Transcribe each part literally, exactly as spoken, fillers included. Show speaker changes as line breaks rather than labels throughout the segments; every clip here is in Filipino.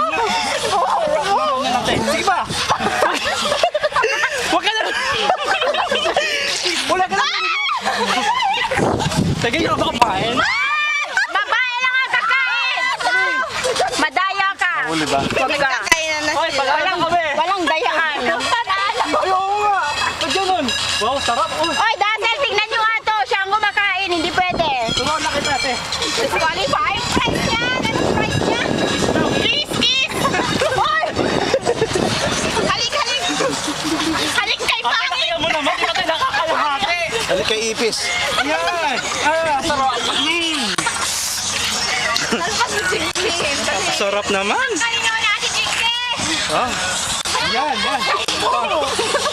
Sige pa! Huwag ka na! Wala ka na! Sige, yung kakapain!
Babae lang ang kakain! Madaya ka!
Huli ba?
Huwag ka!
Hoy, pag-alam kami!
Walang dayaan!
Ayaw nga! Pag ganun! Wow, sarap!
Oy, Dazzle, tignan nyo nga to! Siya ang kumakain, hindi pwede!
Tumaw na kita, te!
Disqualify! Price niya! Anong price niya? Kiss! Kiss! Hoy! Halik! Halik! Halik kay
Ate,
Pangit!
kaya mo naman! Di ka tayo nakakalahati!
Halik kay Ipis.
Yan! Ah, sarap! Sarap naman!
Kanina wala si Jinky!
Ah, yan, yan! Oh.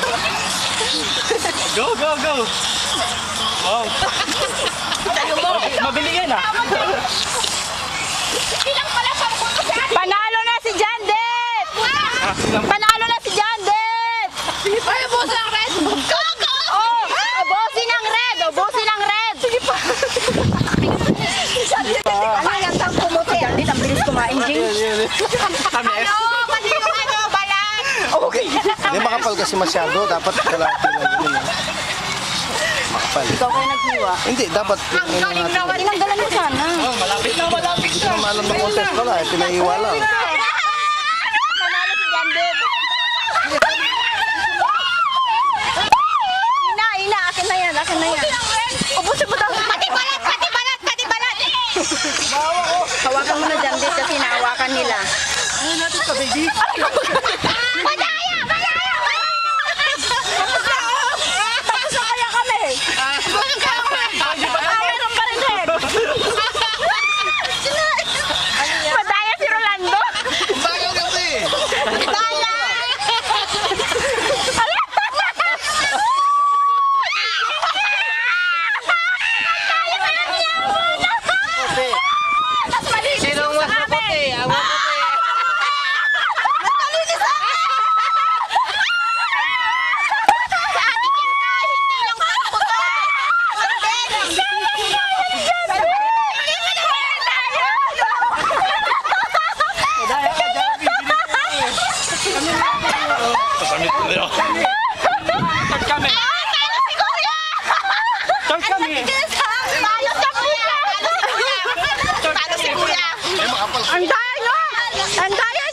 Go, go, go! Wow! Mabili yan ah!
Panalo na si Jandet! Panalo na si Jandet! Ay, boss ng red! Go, go! Oh, bossin ng red! Oh, bossin ng red! Sige pa! Ano yan? Saan pumuti? Jandet, ang bilis kumain, Jing.
Tamis!
Ano? Pati yung ano, balat!
Okay. Hindi makapal kasi masyado. Dapat kalahati lang yun. eh. Makapal.
Ikaw kayo naghiwa.
Hindi, dapat.
Tinanggalan mo sana.
Oh, malapit na, malapit
Hindi
na!
naman alam na contest pala. Eh. Pinaiwa lang.
Panalo si Jandet. Ina, ina, akin na yan, akin na yan. Ubusin mo daw. Pati balat, pati balat, pati balat. Hawakan mo na Jandet kasi nahawakan nila.
Ano natin ka, baby?
Madaya! Madaya! Tapos na kaya kami. Tapos na kaya kami. Ah, meron pa rin rin. Madaya si Rolando.
Bago kasi.
Madaya!
Sinong mas maputi? Ang maputi.
Dahil ka dyan, bibili mo eh! Pasamit ko nila! Tag kami! Tag kami!
Talo sa kuya! Talo si kuya!
Eh, makapal.
Ang daya! Ang daya